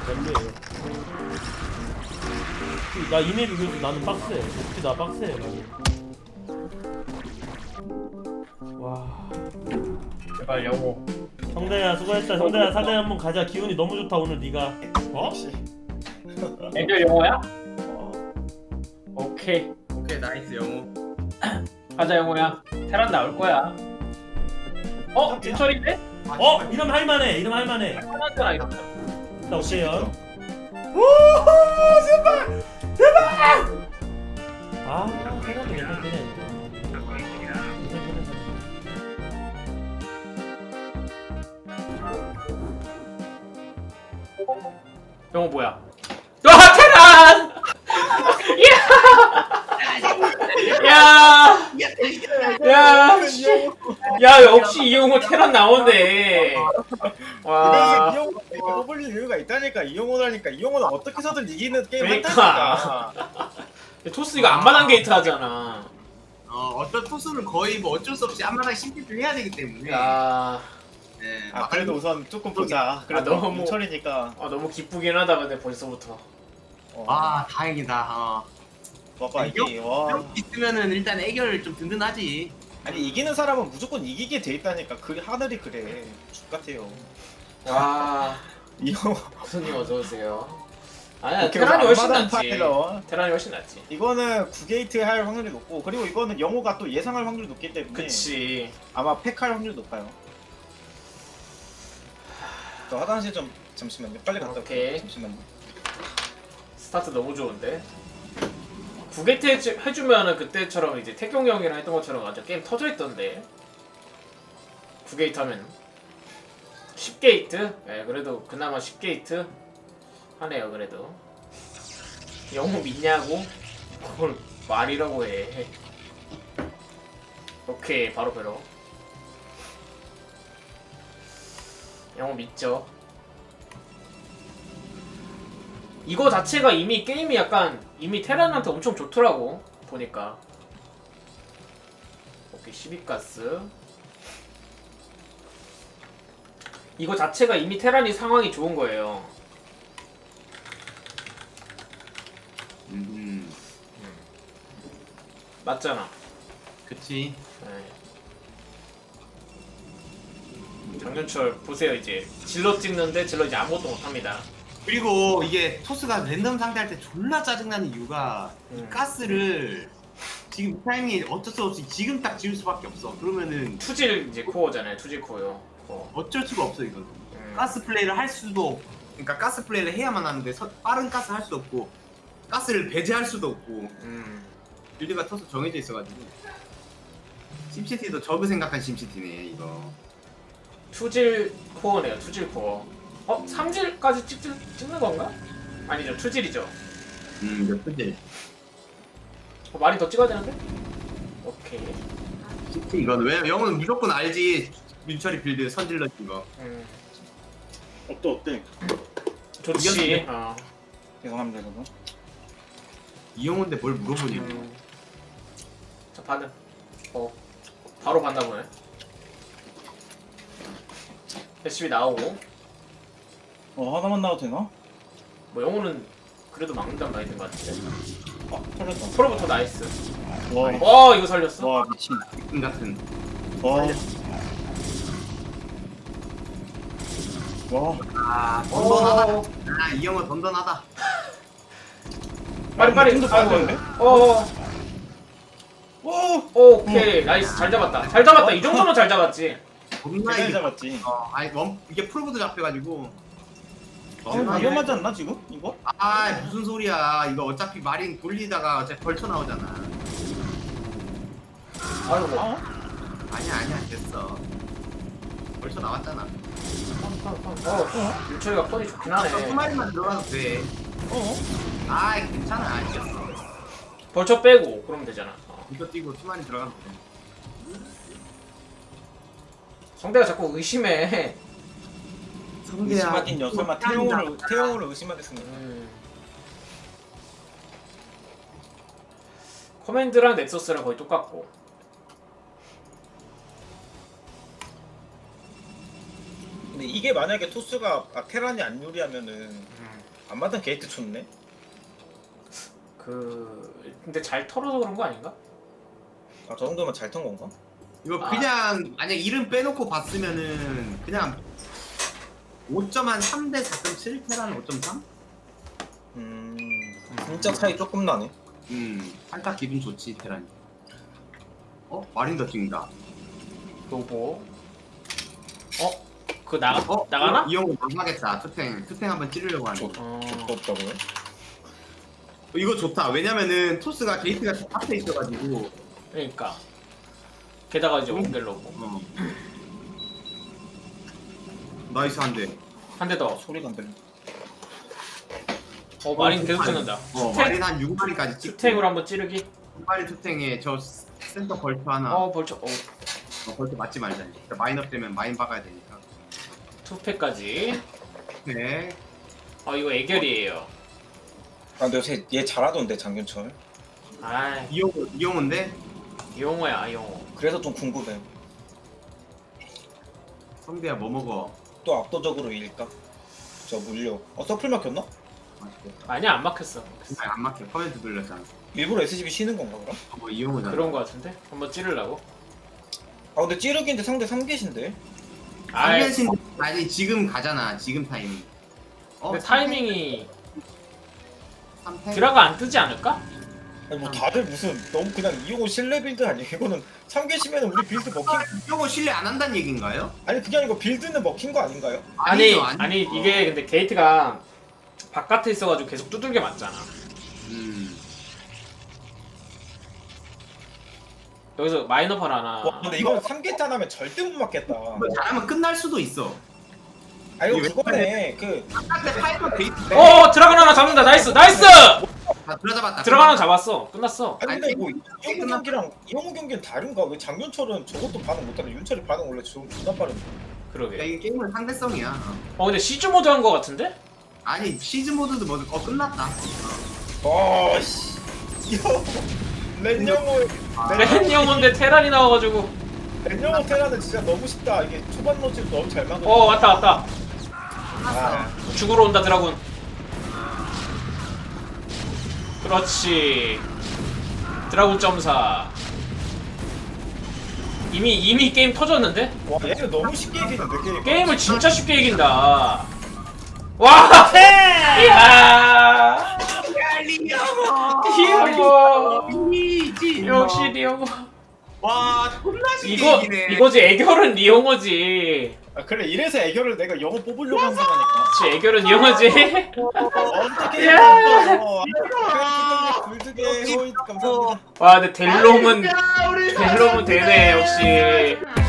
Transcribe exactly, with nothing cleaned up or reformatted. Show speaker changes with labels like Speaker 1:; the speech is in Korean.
Speaker 1: 별로예요. 나 이메일 그래서 나는 빡세. 혹시 나 빡세 나는. 와.
Speaker 2: 제발 영호.
Speaker 1: 성대야 수고했다. 성대야 사대 한번 가자. 기운이 너무 좋다 오늘 네가. 어?
Speaker 2: 애들 영호야? 오케이.
Speaker 3: 오케이 나이스 영호.
Speaker 2: 가자 영호야. 테란 나올 거야. 어? 민철인데?
Speaker 1: 어? 이름 할만해. 이름 할만해.
Speaker 2: 하나잖아 이러면.
Speaker 1: 나 오세요. 오 제발 제발. 아 테란도 괜찮네.
Speaker 2: 영호 뭐야? 아 테란! 야! 야! 씨. 야 역시 이영호 테란 나오네.
Speaker 4: 그래서
Speaker 2: 와.
Speaker 4: 이용호 이거 뽑을 이유가 있다니까. 이용호라니까. 이용호는 어떻게 해서든 이기는 게임
Speaker 2: 그러니까.
Speaker 4: 한다니까.
Speaker 2: 토스 이거 안마당 게이트 하잖아.
Speaker 3: 어 어떤 투수는 거의 뭐 어쩔 수 없이 앞마당 심리를 해야 되기 때문에.
Speaker 2: 야.
Speaker 3: 네.
Speaker 4: 아 그래도 우선 조금 보자. 그래도
Speaker 2: 아, 너무-
Speaker 4: 민철이니까.
Speaker 2: 아 너무 기쁘긴 하다 근데 벌써부터.
Speaker 4: 어.
Speaker 3: 아 다행이다. 어.
Speaker 4: 봐봐 이게 와.
Speaker 3: 이렇게 있으면은 일단 애결 좀 든든하지.
Speaker 4: 아니 이기는 사람은 무조건 이기게 돼 있다니까. 그 하늘이 그래. 죽 같아요.
Speaker 2: 와.
Speaker 4: 이용호
Speaker 2: 교수님 어서 오세요. 아니야
Speaker 4: 오케이,
Speaker 2: 테란이 훨씬
Speaker 4: 앞마당
Speaker 2: 낫지.
Speaker 4: 파일럿.
Speaker 2: 테란이 훨씬 낫지.
Speaker 4: 이거는 구 게이트 할 확률이 높고, 그리고 이거는 영호가 또 예상할 확률이 높기 때문에
Speaker 2: 그치.
Speaker 4: 아마 팩할 확률이 높아요. 저 화장실 좀 잠시만요. 빨리 갔다 올게요.
Speaker 2: 오케이.
Speaker 4: 잠시만요.
Speaker 2: 스타트 너무 좋은데. 구게트 해주, 해주면은 그때처럼 이제 태경 형이랑 했던 것처럼 완전 게임 터져 있던데. 구게이트 하면 십 게이트? 네, 그래도 그나마 십 게이트 하네요. 그래도 영호 믿냐고? 그걸 말이라고 해. 오케이 바로 배로. 영호 믿죠. 이거 자체가 이미 게임이 약간 이미 테란한테 엄청 좋더라고 보니까. 오케이 십이 가스. 이거 자체가 이미 테란이 상황이 좋은 거예요.
Speaker 3: 음.
Speaker 2: 맞잖아.
Speaker 3: 그치.
Speaker 2: 네. 장윤철 보세요 이제 질러 찍는데 질러 이제 아무것도 못합니다.
Speaker 3: 그리고 이게 토스가 랜덤 상대할 때 졸라 짜증나는 이유가 이
Speaker 2: 음.
Speaker 3: 가스를 지금 이 타이밍에 어쩔 수 없이 지금 딱 지울 수밖에 없어. 그러면은
Speaker 2: 투질 이제 코어잖아요. 투질 코어요. 어.
Speaker 3: 어쩔 수가 없어 이건.
Speaker 2: 음.
Speaker 3: 가스 플레이를 할 수도 없- 그러니까 가스 플레이를 해야만 하는데 서- 빠른 가스 할 수도 없고 가스를 배제할 수도 없고
Speaker 2: 음.
Speaker 3: 빌드가 토스 정해져 있어가지고 심시티도 저그 생각한 심시티네 이거.
Speaker 2: 투질 코어네요. 투질 코어. 어? 삼질까지 찍, 찍는 건가? 아니죠. 투질이죠.
Speaker 3: 음, 몇 분째.
Speaker 2: 어, 많이 더 찍어야 되는데? 오케이.
Speaker 3: 심시티 이건 왜 영은 무조건 알지. 민철이 빌드 선질러 이거.
Speaker 2: 음.
Speaker 4: 어때 어때?
Speaker 2: 좋지.
Speaker 3: 이겼네.
Speaker 2: 어.
Speaker 4: 죄송합니다 여러분.
Speaker 3: 이영호인데 뭘 물어보니?
Speaker 2: 음. 자 반응. 어. 바로 봤나 보네. 패시비 나오고.
Speaker 4: 어 하나만 나와도 되나?
Speaker 2: 뭐 영호는 그래도 막는단 말인 것 같은데.
Speaker 4: 아 털렸다.
Speaker 2: 프로부터 나이스.
Speaker 4: 와.
Speaker 2: 와 이거 살렸어.
Speaker 4: 와 미친.
Speaker 3: 이 같은.
Speaker 4: 와. 와.
Speaker 3: 아 던던하다.
Speaker 2: 어.
Speaker 3: 아 이영호 던던하다.
Speaker 2: 빨리 빨리.
Speaker 4: 좀더 가야 되는데?
Speaker 2: 어.
Speaker 4: 오.
Speaker 2: 오케이 나이스 잘 잡았다. 잘 잡았다. 이 정도면 잘 잡았지.
Speaker 3: 겁나
Speaker 4: 대단히
Speaker 3: 이게.
Speaker 4: 잡았지.
Speaker 3: 어, 아니 원 이게 풀보드 잡혀가지고.
Speaker 4: 어, 위험하지 않나 지금? 이거?
Speaker 3: 아 무슨 소리야 이거 어차피 마린 돌리다가 어차피 벌쳐 나오잖아.
Speaker 2: 아이고.
Speaker 4: 어?
Speaker 3: 아니야 아니야 됐어. 벌쳐 나왔잖아.
Speaker 2: 어. 윤철이가 폰이 좋긴
Speaker 3: 한
Speaker 2: 하네.
Speaker 3: 마리만 들어가도 돼.
Speaker 4: 어?
Speaker 3: 아 괜찮아 이겼어.
Speaker 2: 벌쳐 빼고 그러면 되잖아. 어.
Speaker 3: 이거 뛰고 투마리 들어가면 돼.
Speaker 2: 성대가 자꾸 의심해.
Speaker 4: 의심하긴요. 설마 태용으로 태용으로 의심하겠습니다.
Speaker 2: 음. 커맨드랑 넥서스랑 거의 똑같고.
Speaker 4: 근데 이게 만약에 토스가 아, 테란이 안 유리하면은
Speaker 2: 음.
Speaker 4: 안마당 게이트 쳤네.
Speaker 2: 그 근데 잘 털어서 그런 거 아닌가?
Speaker 4: 아 저 정도면 잘 턴 건가?
Speaker 3: 이거
Speaker 2: 아.
Speaker 3: 그냥 만약 이름 빼놓고 봤으면은 그냥 오 점 한 삼 대 사 점 칠 테라는 오 점 삼?
Speaker 4: 음 진짜 차이 조금 나네.
Speaker 3: 음 살짝 기분 좋지 테란이. 어? 마린 더 찍는다.
Speaker 2: 로보. 어? 그거 나가
Speaker 3: 어?
Speaker 2: 나가나?
Speaker 3: 이 형은 나가겠다. 투탱 투탱 한번 찌르려고 하네.
Speaker 4: 좋-
Speaker 2: 어.
Speaker 4: 좋다고요?
Speaker 3: 이거 좋다. 왜냐면은 토스가 게이트가 앞에 있어가지고.
Speaker 2: 그러니까. 게다가 이제
Speaker 3: 음.
Speaker 2: 원겔 로보.
Speaker 3: 어. 나이스 한 대.
Speaker 2: 한 대 더.
Speaker 4: 소리가 안 들려.
Speaker 2: 어 마린
Speaker 3: 어,
Speaker 2: 계속
Speaker 3: 마린.
Speaker 2: 찍는다.
Speaker 3: 어,
Speaker 2: 스택
Speaker 3: 마린 한 육 마리까지 찍고.
Speaker 2: 스택으로 한번 찌르기.
Speaker 3: 육 마리 투탱에 저 센터 벌처 하나.
Speaker 2: 어 벌써 어
Speaker 3: 어, 벌써 맞지 말자. 그러니까 마인업 되면 마인 박아야 되니까.
Speaker 2: 투패까지.
Speaker 3: 네.
Speaker 2: 어 이거 애결이에요.
Speaker 4: 아 근데 요새 얘 잘하던데 장윤철.
Speaker 2: 아이
Speaker 3: 이용호 이용호인데
Speaker 2: 이용호야 이용호.
Speaker 4: 그래서 좀 궁금해.
Speaker 3: 성대야 뭐 먹어?
Speaker 4: 또 압도적으로 이길까? 저 물려. 어 서플 막혔나?
Speaker 3: 맛있겠다.
Speaker 2: 아니야 안 막혔어.
Speaker 3: 아, 안 막혀. 커멘트 돌렸잖아.
Speaker 4: 일부러 에스지비 쉬는 건가 그럼?
Speaker 3: 어, 뭐 이용호잖아.
Speaker 2: 그런 거 같은데? 한번 찌르려고?
Speaker 4: 아 근데 찌르기인데 상대 삼 개신데?
Speaker 2: 아이
Speaker 3: 상대신 아니 지금 가잖아. 지금 타이밍. 어,
Speaker 2: 근데 타이밍이
Speaker 3: 삼 패?
Speaker 2: 드라가 안 뜨지 않을까?
Speaker 4: 아니 뭐 다들 무슨 너무 그냥 이용호 신뢰 빌드 아니에요? 이거는 삼 개시면 우리 빌드 먹힌
Speaker 3: 이용호 신뢰 안 한다는 얘긴가요?
Speaker 4: 아니 그게 아니고 빌드는 먹힌 거 아닌가요?
Speaker 2: 아니
Speaker 3: 아니죠,
Speaker 2: 아니
Speaker 3: 아니죠.
Speaker 2: 이게 근데 게이트가 바깥에 있어가지고 계속 두들겨 맞잖아.
Speaker 3: 음.
Speaker 2: 여기서 마이너팔 하나.
Speaker 4: 와 근데 이건 삼 개 탄하면 절대 못 맞겠다.
Speaker 3: 뭐 잘하면 끝날 수도 있어.
Speaker 4: 아 이거
Speaker 3: 이게
Speaker 4: 그거네 그
Speaker 3: 아까 파이터 게이트.
Speaker 2: 어 드라곤 하나 잡는다. 나이스 나이스.
Speaker 3: 다 들어잡았다.
Speaker 2: 드라곤 하나 잡았어. 끝났어.
Speaker 4: 아니 근데
Speaker 3: 아니,
Speaker 4: 뭐
Speaker 3: 게임
Speaker 4: 이용호 경기랑 이용호 경기는 다른가? 왜 장윤철은 저것도 반응 못하는데 윤철이 반응 원래 좀 존나 빠른데.
Speaker 3: 야,
Speaker 2: 그러게.
Speaker 3: 이게 게임은 상대성이야.
Speaker 2: 어 근데 시즈 모드 한 거 같은데?
Speaker 3: 아니 시즈 모드도 뭐, 어 끝났다.
Speaker 4: 아씨 이거 렌영호
Speaker 2: 렌 영혼데 테란이 나와가지고.
Speaker 4: 렌영호 테라는 진짜 너무 쉽다. 이게 초반 로지를 너무 잘 막아.
Speaker 2: 어 왔다 왔다.
Speaker 4: 아,
Speaker 2: 죽으러 온다 드라군. 그렇지. 드라군 점사. 이미 이미 게임 터졌는데?
Speaker 4: 와 얘는 너무 쉽게 이기는데 게임.
Speaker 2: 게임을 진짜 쉽게 이긴다. 와! 이야! 리오고!
Speaker 3: 이지.
Speaker 2: 역시 리오고.
Speaker 3: 와 존나 쉽게
Speaker 2: 이거
Speaker 3: 이기네.
Speaker 2: 이거지 애결은 리오고지.
Speaker 4: 아 그래 이래서 애교를 내가 영어 뽑으려고 한 거니까.
Speaker 2: 그치 애결은 리오고지.
Speaker 4: 어떻게
Speaker 2: 야!
Speaker 4: 해도 불드게 호이 감사합니다.
Speaker 2: 와 근데 델롱은
Speaker 3: 야, 우리
Speaker 2: 델롱은 되네 역시.